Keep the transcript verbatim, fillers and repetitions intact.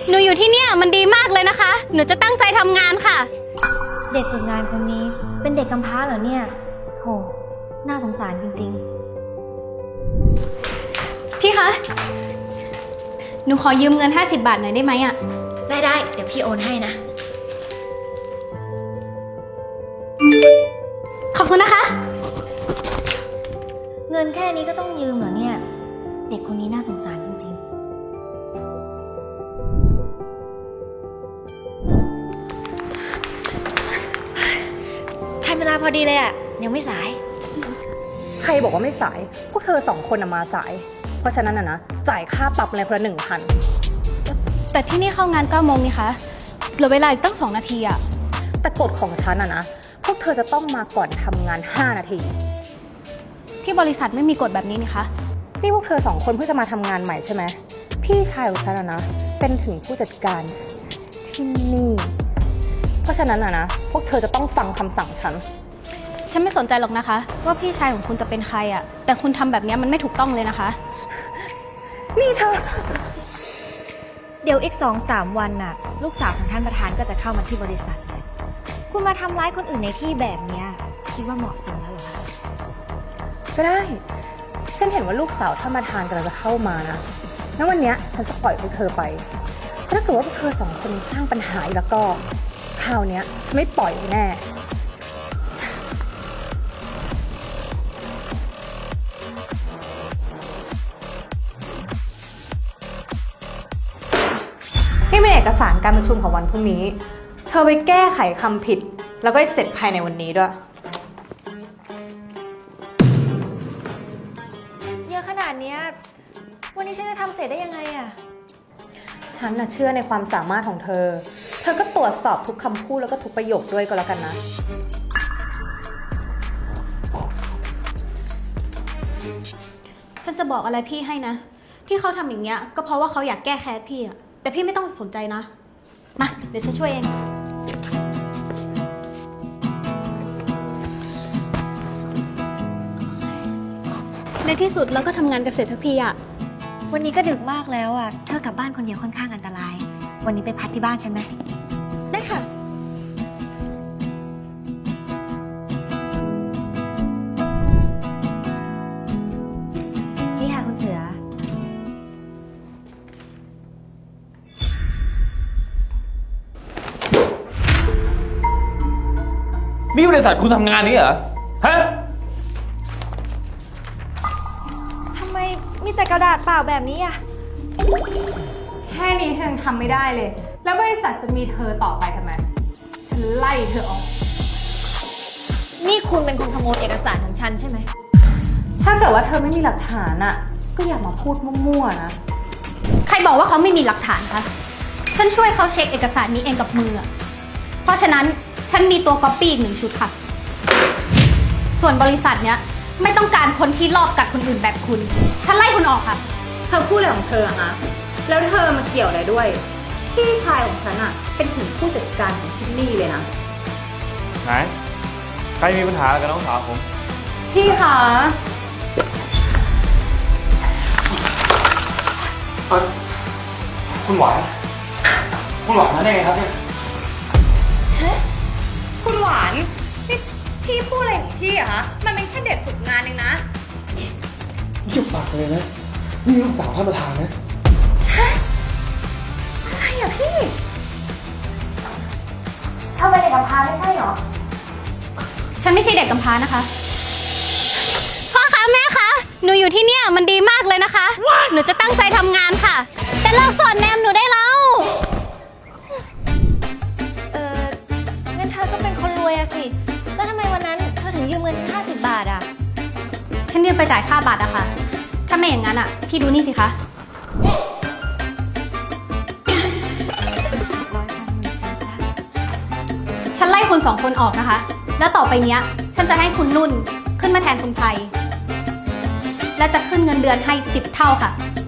หนูอยู่ที่เนี่ยมันดีมากเลยนะคะหนูจะตั้งใจทำงานค่ะเด็กฝึกงานคนนี้เป็นเด็กกำพร้าเหรอเนี่ยโหน่าสงสารจริงๆพี่คะหนูขอยืมเงินห้าสิบบาทหน่อยได้ไหมอะได้ได้เดี๋ยวพี่โอนให้นะขอบคุณนะคะเงินแค่นี้ก็ต้องยืมเหรอเนี่ยเด็กคนนี้น่าสงสารจริงๆทันเวลาพอดีเลยอะยังไม่สายใครบอกว่าไม่สายพวกเธอสองคนมาสายเพราะฉะนั้นนะนะจ่ายค่าปรับอะไรคนละหนึ่งพันแต่ที่นี่เข้างานเก้าโมงนี่คะเหลือเวลาอีกตั้งสองนาทีอะแต่กฎของฉันอะนะพวกเธอจะต้องมาก่อนทำงานห้านาทีที่บริษัทไม่มีกฎแบบนี้นี่คะนี่พวกเธอสองคนเพิ่งจะมาทำงานใหม่ใช่ไหมพี่ชายของฉันอะนะเป็นถึงผู้จัดการที่นี่เพราะฉะนั้นอะนะพวกเธอจะต้องฟังคำสั่งฉันฉันไม่สนใจหรอกนะคะว่าพี่ชายของคุณจะเป็นใครอะแต่คุณทำแบบนี้มันไม่ถูกต้องเลยนะคะนี่เธอเดี๋ยวอีกสองสามวันน่ะลูกสาวของท่านประธานก็จะเข้ามาที่บริษัทเลยคุณมาทำร้ายคนอื่นในที่แบบนี้คิดว่าเหมาะสมแล้วเหรอคะก็ได้ฉันเห็นว่าลูกสาวท่านประธานกำลังจะเข้ามานะงั้นวันนี้ฉันจะปล่อยพวกเธอไปถ้าเกิดว่าพวกเธอสองคนสร้างปัญหาอีกแล้วก็คราวนี้ฉันไม่ปล่อยแน่นี่เป็นเอกสารการประชุมของวันพรุ่งนี้เธอไปแก้ไขคำผิดแล้วก็ให้เสร็จภายในวันนี้ด้วยเยอะขนาดนี้วันนี้ฉันจะทำเสร็จได้ยังไงอะฉันน่ะเชื่อในความสามารถของเธอเธอก็ตรวจสอบทุกคำพูดแล้วก็ทุกประโยคด้วยก็แล้วกันนะฉันจะบอกอะไรพี่ให้นะที่เขาทำอย่างเงี้ยก็เพราะว่าเขาอยากแก้แค้นพี่อะแต่พี่ไม่ต้องสนใจนะมาเดี๋ยวฉันช่วยเองในที่สุดเราก็ทำงานกันเสร็จสักทีอะวันนี้ก็ดึกมากแล้วอะเธอกลับบ้านคนเดียวค่อนข้างอันตรายวันนี้ไปพักที่บ้านฉันไหมได้ค่ะนี่ค่ะคุณเสือนี่บริษัทคุณทำงานนี้เหรอ ฮะทำไมมีแต่กระดาษเปล่าแบบนี้อะแค่นี้เธอยังทำไม่ได้เลยแล้วบริษัทจะมีเธอต่อไปทำไมฉันไล่เธอออกนี่คุณเป็นคนขโมยเอกสารของฉันใช่ไหมถ้าเกิดว่าเธอไม่มีหลักฐานอะก็อย่ามาพูดมั่วๆนะใครบอกว่าเขาไม่มีหลักฐานคะฉันช่วยเขาเช็คเอกสารนี้เองกับมือเพราะฉะนั้นฉันมีตัวก๊อปปี้อีกหนึ่งชุดค่ะส่วนบริษัทเนี้ยไม่ต้องการคนที่ลอบกัดคนอื่นแบบคุณฉันไล่คุณออกค่ะเธอพูดอะไรของเธออะฮะแล้วเธอมาเกี่ยวอะไรด้วยพี่ชายของฉันอะเป็นถึงผู้จัดการของที่นี่เลยนะไหน ใครมีปัญหากับน้องสาวผมพี่คะเออคุณหวานคุณหวานมาได้ไงครับเนี่ยคุณหวานนี่พี่พูดอะไรของพี่อะฮะมันเป็นแค่เด็กฝึกงานเองนะเยี่ยมปากเลยนะนี่ลูกสาวท่านประธานนะฮะอะไรอะพี่ทำไมเด็กกำพร้าไม่ใช่หรอฉันไม่ใช่เด็กกำพร้านะคะพ่อคะแม่คะหนูอยู่ที่เนี่ยมันดีมากเลยนะคะ หนูจะตั้งใจทำงานค่ะแต่เลิกสอนแนมหนูได้แล้วเอองั้นเธอก็เป็นคนรวยอะสิแล้วทำไมวันนั้นเธอถึงยืมเงินฉันห้าสิบบาทอะฉันยืมไปจ่ายค่าบัตรอะค่ะถ้าไม่อย่างนั้นอะพี่ดูนี่สิคะฉันไล่คุณสองคนออกนะคะแล้วต่อไปเนี้ยฉันจะให้คุณนุ่นขึ้นมาแทนคุณไพและจะขึ้นเงินเดือนให้สิบเท่าค่ะ